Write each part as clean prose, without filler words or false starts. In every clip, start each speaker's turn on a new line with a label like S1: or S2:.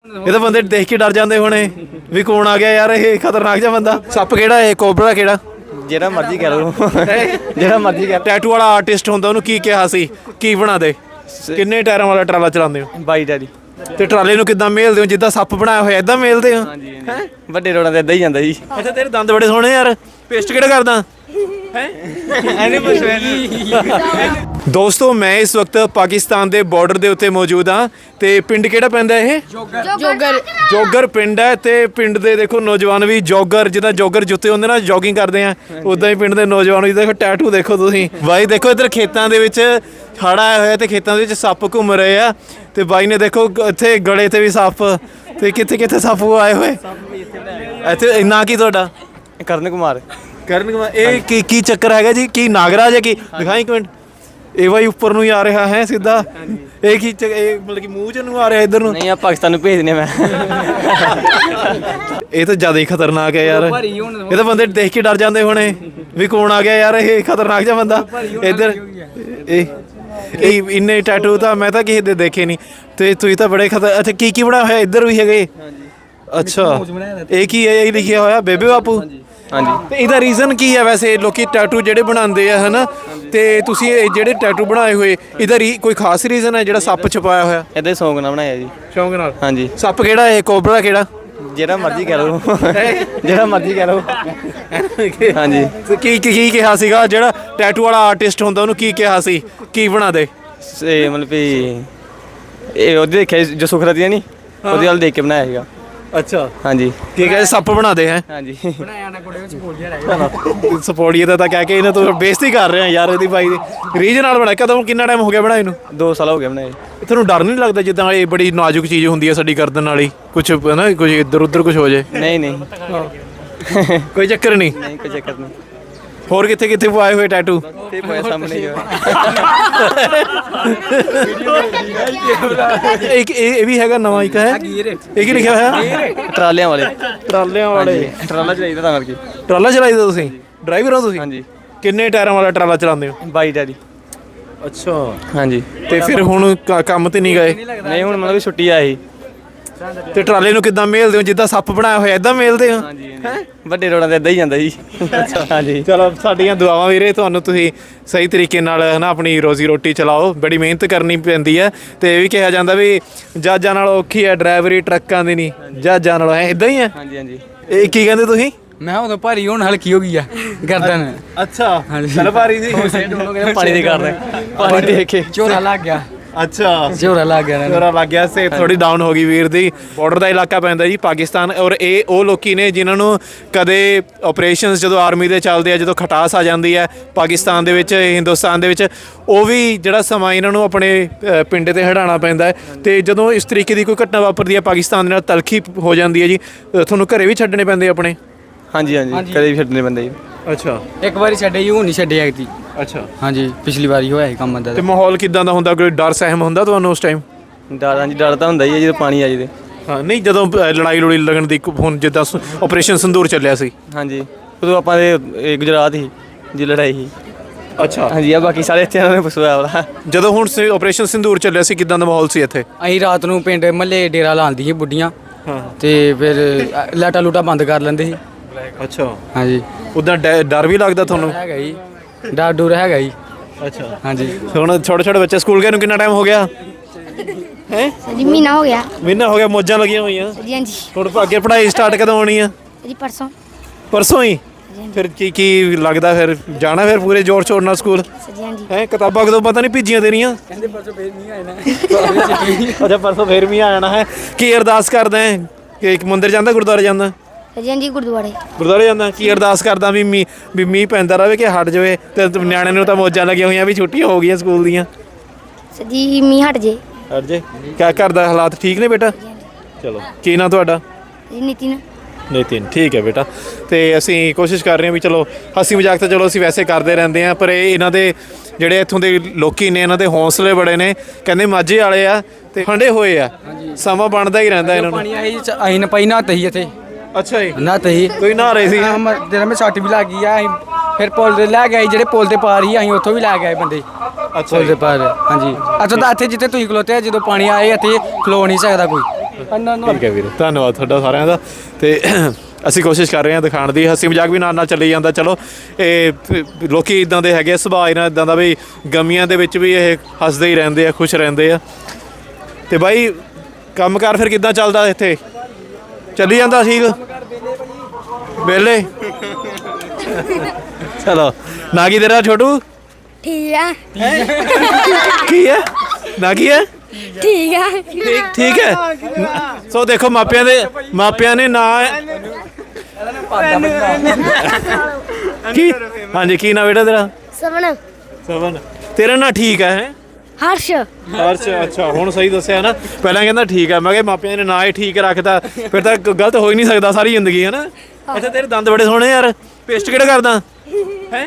S1: ਇਹ ਤਾਂ ਬੰਦੇ ਦੇਖ ਕੇ ਡਰ ਜਾਂਦੇ ਹੋਣੇ ਵੀ ਕੌਣ ਆ ਗਿਆ ਯਾਰ, ਇਹ ਖਤਰਨਾਕ ਜਿਹਾ ਬੰਦਾ। ਸੱਪ ਕਿਹੜਾ ਇਹ, ਕੋਬਰਾ ਕਿਹੜਾ?
S2: ਜਿਹੜਾ ਮਰਜ਼ੀ ਕਹਿ ਲਓ ਜਿਹੜਾ ਮਰਜ਼ੀ ਕਹਿ।
S1: ਟੈਟੂ ਵਾਲਾ ਆਰਟਿਸਟ ਹੁੰਦਾ, ਉਹਨੂੰ ਕੀ ਕਿਹਾ ਸੀ, ਕੀ ਬਣਾ ਦੇ? ਕਿੰਨੇ ਟਾਇਰਾਂ ਵਾਲਾ ਟਰਾਲਾ ਚਲਾਉਂਦੇ ਹੋ?
S2: 22 ਟਾਇਰੀ।
S1: ਤੇ ਟਰਾਲੇ ਨੂੰ ਕਿੱਦਾਂ ਮੇਲਦੇ ਹੋ? ਜਿੱਦਾਂ ਸੱਪ ਬਣਾਇਆ ਹੋਇਆ ਏਦਾਂ ਮੇਲਦੇ ਹੋ?
S2: ਹਾਂਜੀ ਹਾਂਜੀ, ਵੱਡੇ ਰੋਡਾਂ ਤੇ ਏਦਾਂ ਹੀ ਜਾਂਦਾ ਜੀ।
S1: ਅੱਛਾ, ਤੇਰੇ ਦੰਦ ਬੜੇ ਸੋਹਣੇ ਯਾਰ, ਪੇਸਟ ਕਿਹੜਾ ਕਰਦਾ ਹੈ? ਦੋਸਤੋ, ਮੈਂ ਇਸ ਵਕਤ ਪਾਕਿਸਤਾਨ ਦੇ ਬਾਰਡਰ ਦੇ ਉੱਤੇ ਮੌਜੂਦ ਹਾਂ ਤੇ ਪਿੰਡ ਕਿਹੜਾ ਪੈਂਦਾ ਇਹ? ਜੋਗਰ ਪਿੰਡ ਹੈ। ਤੇ ਪਿੰਡ ਦੇ ਦੇਖੋ ਨੌਜਵਾਨ ਵੀ ਜੋਗਰ, ਜਿੱਦਾਂ ਜੋਗਰ ਜੁੱਤੇ ਹੁੰਦੇ ਨਾ, ਜੋਗਿੰਗ ਕਰਦੇ ਆ, ਉਦਾਂ ਹੀ ਪਿੰਡ ਦੇ ਨੌਜਵਾਨ ਵੀ ਦੇਖੋ ਟੈਟੂ ਦੇਖੋ ਤੁਸੀਂ। ਬਾਈ ਦੇਖੋ ਇੱਧਰ ਖੇਤਾਂ ਦੇ ਵਿੱਚ ਹੜ੍ਹ ਆਇਆ ਹੋਇਆ ਤੇ ਖੇਤਾਂ ਦੇ ਵਿੱਚ ਸੱਪ ਘੁੰਮ ਰਹੇ ਆ ਤੇ ਬਾਈ ਨੇ ਦੇਖੋ ਇੱਥੇ ਗਲੇ ਤੇ ਵੀ ਸੱਪ ਤੇ ਕਿੱਥੇ ਕਿੱਥੇ ਸੱਪ ਆਏ ਹੋਏ। ਇੱਥੇ ਨਾਂ ਕੀ ਤੁਹਾਡਾ?
S2: ਕਰਨ ਕੁਮਾਰ।
S1: ਕਰਨ ਕੁਮਾਰ। ਇਹ ਕੀ ਚੱਕਰ ਹੈਗਾ ਜੀ? ਕੀ ਨਾਗਰਾਜ ਹੈ? ਕੀ ਦਿਖਾਈ ਇੱਕ ਮਿੰਟ। ਇਹ ਬਾਈ ਉੱਪਰ ਨੂੰ ਹੀ ਆ ਰਿਹਾ ਹੈ ਸਿੱਧਾ। ਇਹ ਕੀ ਇਹ ਮਤਲਬ ਕਿ ਮੂੰਹ ਚ ਨੂੰ ਆ ਰਿਹਾ ਇੱਧਰ ਨੂੰ?
S2: ਨਹੀਂ, ਆ ਪਾਕਿਸਤਾਨ ਨੂੰ ਭੇਜ ਦਿੰਦੇ ਮੈਂ।
S1: ਇਹ ਤਾਂ ਜ਼ਿਆਦਾ ਹੀ ਖਤਰਨਾਕ ਹੈ ਯਾਰ, ਇਹ ਤਾਂ ਬੰਦੇ ਦੇਖ ਕੇ ਡਰ ਜਾਂਦੇ ਹੋਣੇ ਵੀ ਕੌਣ ਆ ਗਿਆ ਯਾਰ, ਇਹ ਖਤਰਨਾਕ ਜਿਹਾ ਬੰਦਾ। ਇੱਧਰ ਇਹ ਇੰਨੇ ਟੈਟੂ ਤਾਂ ਮੈਂ ਤਾਂ ਕਿਸੇ ਦੇ ਦੇਖੇ ਨਹੀਂ ਤੇ ਤੁਸੀਂ ਤਾਂ ਬੜੇ ਅੱਛਾ, ਕੀ ਬਣਾਇਆ ਹੋਇਆ? ਇੱਧਰ ਵੀ ਹੈਗੇ। ਅੱਛਾ, ਇਹ ਕੀ ਹੈ? ਇਹ ਲਿਖਿਆ ਹੋਇਆ ਬੇਬੇ ਬਾਪੂ।
S2: ਹਾਂਜੀ।
S1: ਤੇ ਇਹਦਾ ਰੀਜ਼ਨ ਕੀ ਹੈ ਵੈਸੇ? ਲੋਕੀ ਟੈਟੂ ਜਿਹੜੇ ਬਣਾਉਂਦੇ ਆ ਹਨਾ, ਤੇ ਤੁਸੀਂ ਇਹ ਜਿਹੜੇ ਟੈਟੂ ਬਣਾਏ ਹੋਏ, ਇਹਦਾ ਕੋਈ ਖਾਸ ਰੀਜ਼ਨ ਹੈ ਜਿਹੜਾ ਸੱਪ ਛਪਾਇਆ ਹੋਇਆ?
S2: ਏਦਾਂ ਹੀ ਸ਼ੌਂਕ ਨਾਲ ਬਣਾਇਆ ਜੀ।
S1: ਸ਼ੌਂਕ ਨਾਲ?
S2: ਹਾਂਜੀ।
S1: ਸੱਪ ਕਿਹੜਾ ਇਹ, ਕੋਬਰਾ ਕਿਹੜਾ?
S2: ਜਿਹੜਾ ਮਰਜ਼ੀ ਕਹਿ ਲਓ ਜਿਹੜਾ ਮਰਜ਼ੀ ਕਹਿ ਲਓ। ਹਾਂਜੀ।
S1: ਕੀ ਕਿਹਾ ਸੀਗਾ? ਜਿਹੜਾ ਟੈਟੂ ਵਾਲਾ ਆਰਟਿਸਟ ਹੁੰਦਾ, ਉਹਨੂੰ ਕੀ ਕਿਹਾ ਸੀ, ਕੀ ਬਣਾ ਦੇ?
S2: ਇਹ ਮਤਲਬ ਵੀ ਇਹ ਉਹਦੇ ਦੇਖਿਆ ਜੋ ਸੁਖਰਤੀ ਨਹੀਂ, ਉਹਦੇ ਵੱਲ ਦੇਖ ਕੇ ਬਣਾਇਆ ਸੀਗਾ।
S1: ਅੱਛਾ।
S2: ਹਾਂਜੀ।
S1: ਕੀ ਕਹੇ ਸੱਪ ਬਣਾ ਦੇ ਹੈ?
S2: ਹਾਂਜੀ।
S1: ਸਪੋਰਟੀਏ ਦਾ ਤਾਂ ਕਹਿ ਕੇ ਇਹਨਾਂ ਤੋਂ ਬੇਇੱਜ਼ਤੀ ਕਰ ਰਹੇ ਆ ਯਾਰ ਇਹਦੀ ਬਾਈ ਦੀ। ਰੀਝ ਨਾਲ ਬਣਾਇਆ ਕਦੋਂ, ਕਿੰਨਾ ਟਾਈਮ ਹੋ ਗਿਆ ਬਣਾਏ ਨੂੰ?
S2: 2 ਸਾਲ ਹੋ ਗਏ ਬਣਾਏ।
S1: ਤੁਹਾਨੂੰ ਡਰ ਨਹੀਂ ਲੱਗਦਾ ਜਿੱਦਾਂ ਇਹ ਬੜੀ ਨਾਜ਼ੁਕ ਚੀਜ਼ ਹੁੰਦੀ ਹੈ ਸਾਡੀ ਗਰਦਨ ਵਾਲੀ, ਕੁਝ ਨਾ ਕੁਝ ਇੱਧਰ ਉੱਧਰ ਕੁਝ ਹੋ ਜਾਏ?
S2: ਨਹੀਂ ਨਹੀਂ
S1: ਕੋਈ ਚੱਕਰ ਨਹੀਂ?
S2: ਨਹੀਂ ਕੋਈ ਚੱਕਰ ਨਹੀਂ।
S1: ਹੋਰ ਕਿੱਥੇ ਕਿੱਥੇ ਪਾਏ ਹੋਏ ਟੈਟੂ?
S2: ਤੇ ਪੋਇਆ ਸਾਹਮਣੇ ਜੋ
S1: ਇਹ ਵੀ ਹੈਗਾ ਨਵਾਂ ਇੱਕ ਹੈ। ਇਹ ਕੀ ਲਿਖਿਆ ਹੋਇਆ?
S2: ਟਰਾਲਿਆਂ ਵਾਲੇ।
S1: ਟਰਾਲਿਆਂ ਵਾਲੇ?
S2: ਟਰਾਲਾ ਚਲਾਈਦਾ ਤਾਂ ਕਰਕੇ।
S1: ਟਰਾਲਾ ਚਲਾਈਦਾ ਤੁਸੀਂ? ਡਰਾਈਵਰ ਹੋ ਤੁਸੀਂ?
S2: ਹਾਂਜੀ।
S1: ਕਿੰਨੇ ਟਾਇਰਾਂ ਵਾਲਾ ਟਰਾਲਾ ਚਲਾਉਂਦੇ ਹੋ?
S2: 22 ਟਾਇਰੀ।
S1: ਅੱਛਾ।
S2: ਹਾਂਜੀ।
S1: ਤੇ ਫਿਰ ਹੁਣ ਕੰਮ ਤੇ ਨਹੀਂ ਗਏ?
S2: ਨਹੀਂ, ਹੁਣ ਮਤਲਬ ਛੁੱਟੀ ਆਈ।
S1: ਤੇ ਟਰਾਲੇ ਨੂੰ ਕਿੱਦਾਂ ਮੇਲਦੇ ਹੋ? ਜਿੱਦਾਂ ਸੱਪ ਬਣਾਇਆ ਹੋਇਆ ਏਦਾਂ ਮੇਲਦੇ ਹੋ?
S2: ਹਾਂਜੀ। ਵੱਡੇ ਰੋਡਾਂ ਤੇ ਏਦਾਂ ਹੀ ਜਾਂਦਾ ਜੀ। ਹਾਂਜੀ।
S1: ਚਲੋ, ਸਾਡੀਆਂ ਦੁਆਵਾਂ ਵੀਰੇ ਤੁਹਾਨੂੰ, ਤੁਸੀਂ ਸਹੀ ਤਰੀਕੇ ਨਾਲ ਨਾ ਆਪਣੀ ਰੋਜ਼ੀ ਰੋਟੀ ਚਲਾਓ। ਬੜੀ ਮਿਹਨਤ ਕਰਨੀ ਪੈਂਦੀ ਹੈ ਤੇ ਇਹ ਵੀ ਕਿਹਾ ਜਾਂਦਾ ਵੀ ਜਹਾਜ਼ਾਂ ਨਾਲ ਔਖੀ ਹੈ ਡਰਾਈਵਰੀ ਟਰੱਕਾਂ ਦੀ ਨਹੀਂ, ਜਹਾਜ਼ਾਂ ਨਾਲ ਹੈ। ਇਦਾਂ ਹੀ ਹੈ?
S2: ਹਾਂਜੀ ਹਾਂਜੀ।
S1: ਇਹ ਕੀ ਕਹਿੰਦੇ ਤੁਸੀਂ?
S3: ਮੈਂ ਉਦੋਂ ਭਾਰੀ ਹੁਣ ਹਲਕੀ ਹੋ ਗਈ ਆ ਗਰਦਨ।
S1: ਅੱਛਾ, ਚੱਲ ਭਾਰੀ ਸੀ।
S2: ਪਾਣੀ ਦੇ ਕਾਰਨ ਪਾਣੀ ਦੇਖ ਕੇ
S3: ਝੋਰਾ ਲੱਗ ਗਿਆ।
S1: ਅੱਛਾ,
S3: ਝੋਰਾ ਲੱਗ ਗਿਆ।
S1: ਝੋਰਾ ਲੱਗ ਗਿਆ। ਸੇਫ ਥੋੜੀ ਡਾਊਨ ਹੋ ਗਈ ਵੀਰ ਦੀ। ਬਾਰਡਰ ਦਾ ਇਲਾਕਾ ਪੈਂਦਾ ਜੀ ਪਾਕਿਸਤਾਨ, ਔਰ ਇਹ ਉਹ ਲੋਕੀ ਨੇ ਜਿਨ੍ਹਾਂ ਨੂੰ ਕਦੇ ਆਪਰੇਸ਼ਨਸ ਜਦੋਂ ਆਰਮੀ ਦੇ ਚੱਲਦੇ ਆ, ਜਦੋਂ ਖਟਾਸ ਆ ਜਾਂਦੀ ਹੈ ਪਾਕਿਸਤਾਨ ਦੇ ਵਿੱਚ, ਹਿੰਦੁਸਤਾਨ ਦੇ ਵਿੱਚ, ਉਹ ਵੀ ਜਿਹੜਾ ਸਮਾਂ ਇਹਨਾਂ ਨੂੰ ਆਪਣੇ ਪਿੰਡ ਤੇ ਹਟਾਉਣਾ ਪੈਂਦਾ ਹੈ। ਤੇ ਜਦੋਂ ਇਸ ਤਰੀਕੇ ਦੀ ਕੋਈ ਘਟਨਾ ਵਾਪਰਦੀ ਹੈ ਪਾਕਿਸਤਾਨ ਦੇ ਨਾਲ, ਤਲਖੀ ਹੋ ਜਾਂਦੀ ਹੈ ਜੀ, ਤੁਹਾਨੂੰ ਘਰੇ ਵੀ ਛੱਡਣੇ ਪੈਂਦੇ ਆਪਣੇ?
S2: ਹਾਂਜੀ ਹਾਂਜੀ, ਕਦੇ ਵੀ ਛੱਡਣੇ ਪੈਂਦੇ ਜੀ।
S1: ਅੱਛਾ।
S3: ਇੱਕ ਵਾਰੀ ਛੱਡੇ ਜੀ, ਹੁਣ ਨਹੀਂ ਛੱਡੇ ਐਕਤੀ।
S1: ਅੱਛਾ।
S3: ਹਾਂਜੀ, ਪਿਛਲੀ ਵਾਰੀ ਹੋਇਆ ਸੀ ਕੰਮ ਦਾ।
S1: ਤੇ ਮਾਹੌਲ ਕਿਦਾਂ ਦਾ ਹੁੰਦਾ? ਕੋਈ ਡਰ ਸਹਿਮ ਹੁੰਦਾ ਤੁਹਾਨੂੰ ਉਸ ਟਾਈਮ?
S2: ਡਰ, ਹਾਂਜੀ ਡਰ ਤਾਂ ਹੁੰਦਾ ਹੀ ਹੈ ਜਦੋਂ ਪਾਣੀ ਆ ਜਾਵੇ।
S1: ਹਾਂ, ਨਹੀਂ ਜਦੋਂ ਲੜਾਈ ਲੜੀ ਲੱਗਣ ਦੀ, ਹੁਣ ਜਿੱਦਾਂ ਆਪਰੇਸ਼ਨ ਸਿੰਦੂਰ ਚੱਲਿਆ ਸੀ।
S2: ਹਾਂਜੀ, ਉਦੋਂ ਆਪਾਂ ਦੇ ਗੁਜਰਾਤ ਹੀ ਜੀ ਲੜਾਈ ਸੀ।
S1: ਅੱਛਾ।
S2: ਹਾਂਜੀ। ਆ ਬਾਕੀ ਸਾਰੇ ਇੱਥੇ ਨੇ ਫਸਵਾਇਆ ਵਾਲਾ।
S1: ਜਦੋਂ ਹੁਣ ਆਪਰੇਸ਼ਨ ਸਿੰਦੂਰ ਚੱਲਿਆ ਸੀ, ਕਿਦਾਂ ਦਾ ਮਾਹੌਲ ਸੀ ਇੱਥੇ?
S3: ਅਸੀਂ ਰਾਤ ਨੂੰ ਪਿੰਡ ਮੱਲੇ ਡੇਰਾ ਲਾਉਂਦੀ ਸੀ ਬੁੱਢੀਆਂ।
S1: ਹਾਂ।
S3: ਤੇ ਫਿਰ ਲਾਟਾ ਲੂਟਾ ਬੰਦ ਕਰ ਲੈਂਦੇ ਸੀ।
S1: ਅੱਛਾ।
S3: ਹਾਂਜੀ।
S1: ਉਦਾਂ ਡਰ ਵੀ ਲੱਗਦਾ ਤੁਹਾਨੂੰ?
S3: ਹੈਗਾ ਜੀ, ਡਰ ਡਰ ਹੈਗਾ ਜੀ।
S1: ਅੱਛਾ।
S3: ਹਾਂਜੀ।
S1: ਹੁਣ ਛੋਟੇ ਛੋਟੇ ਬੱਚੇ ਸਕੂਲ ਗਏ ਨੂੰ ਕਿੰਨਾ ਟਾਈਮ ਹੋ ਗਿਆ ਹੈ?
S4: ਜੀ ਮਹੀਨਾ ਹੋ ਗਿਆ।
S1: ਮਹੀਨਾ ਹੋ ਗਿਆ, ਮੌਜਾਂ ਲੱਗੀਆਂ ਹੋਈਆਂ।
S4: ਜੀ ਹਾਂਜੀ।
S1: ਹੁਣ ਅੱਗੇ ਪੜ੍ਹਾਈ ਸਟਾਰਟ ਕਦੋਂ ਹੋਣੀ ਆ?
S4: ਜੀ ਪਰਸੋਂ।
S1: ਪਰਸੋਂ ਹੀ? ਫਿਰ ਕੀ ਲੱਗਦਾ ਫਿਰ ਜਾਣਾ ਫਿਰ ਪੂਰੇ ਜ਼ੋਰ ਸ਼ੋਰ ਨਾਲ ਸਕੂਲ
S4: ਜੀ ਹਾਂਜੀ।
S1: ਹੈ? ਕਿਤਾਬਾਂ ਕਦੋਂ ਪਤਾ ਨਹੀਂ ਭੇਜੀਆਂ ਤੇਰੀਆਂ?
S3: ਕਹਿੰਦੇ ਪਰਸੋਂ ਫੇਰ ਨਹੀਂ ਆਣਾ।
S1: ਅੱਛਾ, ਪਰਸੋਂ ਫੇਰ ਵੀ ਆ ਜਾਣਾ ਹੈ। ਕੀ ਅਰਦਾਸ ਕਰਦਾ ਹੈ? ਕਿ ਇੱਕ ਮੰਦਿਰ ਜਾਂਦਾ, ਗੁਰਦੁਆਰੇ ਜਾਂਦਾ?
S4: ਜੀ ਹਾਂਜੀ,
S1: ਗੁਰਦੁਆਰੇ ਜਾਂਦਾ। ਕੀ ਅਰਦਾਸ ਕਰਦਾ? ਵੀ ਮੀਂਹ ਪੈਂਦਾ ਰਹੇ ਕਿ ਹਟ ਜਾਵੇ, ਤੇ ਨਿਆਣੇ ਨੂੰ ਤਾਂ ਮੌਜਾਂ ਲੱਗੀਆਂ ਹੋਈਆਂ ਵੀ ਛੁੱਟੀਆਂ ਹੋ ਗਈਆਂ ਸਕੂਲ ਦੀਆਂ।
S4: ਜੀ ਮੀਂਹ ਹਟ ਜੇ।
S1: ਹਟ ਜੇ। ਕਿਆ ਕਰਦਾ? ਹਾਲਾਤ ਠੀਕ ਨੇ ਬੇਟਾ? ਚਲੋ, ਕੀ ਨਾਂ ਤੁਹਾਡਾ?
S4: ਜੀ ਨਿਤਿਨ।
S1: ਨਿਤਿਨ, ਠੀਕ ਹੈ ਬੇਟਾ। ਤੇ ਅਸੀਂ ਕੋਸ਼ਿਸ਼ ਕਰ ਰਹੇ ਹਾਂ ਵੀ ਚਲੋ ਹਾਸੀ ਮਜ਼ਾਕ ਤਾਂ ਚਲੋ ਅਸੀਂ ਵੈਸੇ ਕਰਦੇ ਰਹਿੰਦੇ ਹਾਂ, ਪਰ ਇਹ ਇਹਨਾਂ ਦੇ ਜਿਹੜੇ ਇੱਥੋਂ ਦੇ ਲੋਕੀ ਨੇ, ਇਹਨਾਂ ਦੇ ਹੌਸਲੇ ਬੜੇ ਨੇ। ਕਹਿੰਦੇ ਮਾਝੇ ਵਾਲੇ ਆ ਤੇ ਠੰਡੇ ਹੋਏ ਆ, ਸਮਾਂ ਬਣਦਾ ਹੀ ਰਹਿੰਦਾ ਇਹਨਾਂ ਨੂੰ।
S3: ਪਾਣੀ ਆਈ ਅਸੀਂ ਨਾ ਪਈ ਨਾ ਤਹੀ ਇੱਥੇ।
S1: ਅੱਛਾ ਜੀ।
S3: ਨਾ ਤਹੀ
S1: ਕੋਈ ਨਹਾ ਰਹੇ ਸੀ?
S3: ਜਿਹੜਾ ਮੈਂ ਸੱਟ ਵੀ ਲੱਗ ਗਈ ਆ। ਅਸੀਂ ਫਿਰ ਪੁਲ ਤੇ ਲੈ ਗਏ, ਜਿਹੜੇ ਪੁਲ ਤੇ ਪਾਰ ਹੀ ਅਸੀਂ ਉੱਥੋਂ ਵੀ ਲੈ ਗਏ ਬੰਦੇ।
S1: ਅੱਛਾ
S3: ਪੁਲ ਦੇ ਪਾਰ। ਹਾਂਜੀ। ਅੱਛਾ, ਤਾਂ ਇੱਥੇ ਜਿੱਥੇ ਤੁਸੀਂ ਖਲੋਤੇ ਆ, ਜਦੋਂ ਪਾਣੀ ਆਏ ਇੱਥੇ ਖਲੋ ਨਹੀਂ ਸਕਦਾ ਕੋਈ।
S1: ਠੀਕ ਹੈ ਵੀਰੇ, ਧੰਨਵਾਦ ਤੁਹਾਡਾ ਸਾਰਿਆਂ ਦਾ। ਤੇ ਅਸੀਂ ਕੋਸ਼ਿਸ਼ ਕਰ ਰਹੇ ਹਾਂ ਦਿਖਾਉਣ ਦੀ, ਹੱਸੀ ਮਜ਼ਾਕ ਵੀ ਨਾਲ ਨਾਲ ਚੱਲੀ ਜਾਂਦਾ। ਚਲੋ ਇਹ ਲੋਕੀ ਇਦਾਂ ਦੇ ਹੈਗੇ ਆ, ਸੁਭਾਅ ਇਹਨਾਂ ਇਦਾਂ ਦਾ ਵੀ ਗਮੀਆਂ ਦੇ ਵਿੱਚ ਵੀ ਇਹ ਹੱਸਦੇ ਹੀ ਰਹਿੰਦੇ ਆ, ਖੁਸ਼ ਰਹਿੰਦੇ ਆ। ਤੇ ਬਾਈ ਕੰਮਕਾਰ ਫਿਰ ਕਿੱਦਾਂ ਚੱਲਦਾ ਇੱਥੇ? ਚੱਲੀ ਜਾਂਦਾ ਠੀਕ? ਵਿਹਲੇ? ਚਲੋ, ਨਾ ਕੀ ਤੇਰਾ ਛੋਟੂ?
S4: ਠੀਕ ਆ
S1: ਕੀ ਹੈ ਨਾ ਕੀ ਹੈ?
S4: ਠੀਕ ਆ
S1: ਠੀਕ ਹੈ। ਸੋ ਦੇਖੋ ਮਾਪਿਆਂ ਨੇ ਨਾ ਕੀ, ਹਾਂਜੀ ਕੀ ਨਾ ਬੇਟਾ ਤੇਰਾ?
S4: ਸਵਨ
S1: ਸਵਨ। ਤੇਰਾ ਨਾਂ ਠੀਕ ਹੈ?
S4: ਹਰਸ਼
S1: ਹਰਸ਼। ਅੱਛਾ, ਹੁਣ ਸਹੀ ਦੱਸਿਆ ਨਾ। ਪਹਿਲਾਂ ਕਹਿੰਦਾ ਠੀਕ ਹੈ, ਮੈਂ ਕਿਹਾ ਮਾਪਿਆਂ ਨੇ ਨਾਂ ਹੀ ਠੀਕ ਰੱਖਤਾ, ਫਿਰ ਤਾਂ ਗਲਤ ਹੋ ਹੀ ਨਹੀਂ ਸਕਦਾ ਸਾਰੀ ਜ਼ਿੰਦਗੀ, ਹੈ ਨਾ। ਅੱਛਾ, ਤੇਰੇ ਦੰਦ ਬੜੇ ਸੋਹਣੇ ਯਾਰ, ਪੇਸਟ ਕਿਹੜਾ ਕਰਦਾ ਹੈ?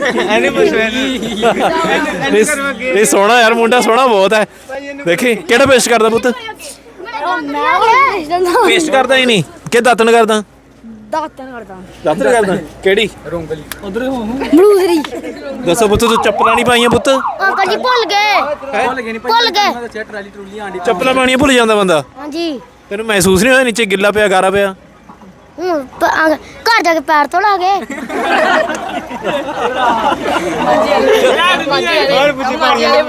S1: ਇਹ ਸੋਹਣਾ ਯਾਰ, ਮੁੰਡਾ ਸੋਹਣਾ ਬਹੁਤ ਹੈ। ਦੇਖੀ ਕਿਹੜਾ ਪੇਸਟ ਕਰਦਾ ਪੁੱਤ? ਪੇਸਟ ਕਰਦਾ ਹੀ ਨਹੀਂ ਕਿ ਦਾਤਣ ਕਰਦਾ? ਦਾਤਣ ਕਰਦਾ। ਕਿਹੜੀ?
S3: ਰੋਂਗਲੀ
S4: ਬਲੂਸਰੀ
S1: ਦੱਸੋ ਪੁੱਤ, ਤੂੰ ਚੱਪਲਾਂ ਨਹੀਂ ਪਾਈਆਂ ਪੁੱਤ?
S4: ਅੰਕਲ ਜੀ ਭੁੱਲ ਗਏ
S3: ਭੁੱਲ ਗਏ ਨਹੀਂ
S4: ਭੁੱਲ ਗਏ।
S3: ਮੈਂ ਦੱਸਿਆ ਟਰਾਲੀ ਟਰੂਲੀ ਆਂਡੀ
S1: ਚੱਪਲਾਂ ਪਾਉਣੀਆਂ ਭੁੱਲ ਜਾਂਦਾ ਬੰਦਾ।
S4: ਹਾਂਜੀ
S1: ਤੈਨੂੰ ਮਹਿਸੂਸ ਨਹੀਂ ਹੋਇਆ ਨੀਚੇ ਗਿੱਲਾ ਪਿਆ, ਗਾਰਾ ਪਿਆ?
S4: ਹੁਣ ਘਰ ਜਾ ਕੇ ਪੈਰ ਧੋਲਾ ਗਏ।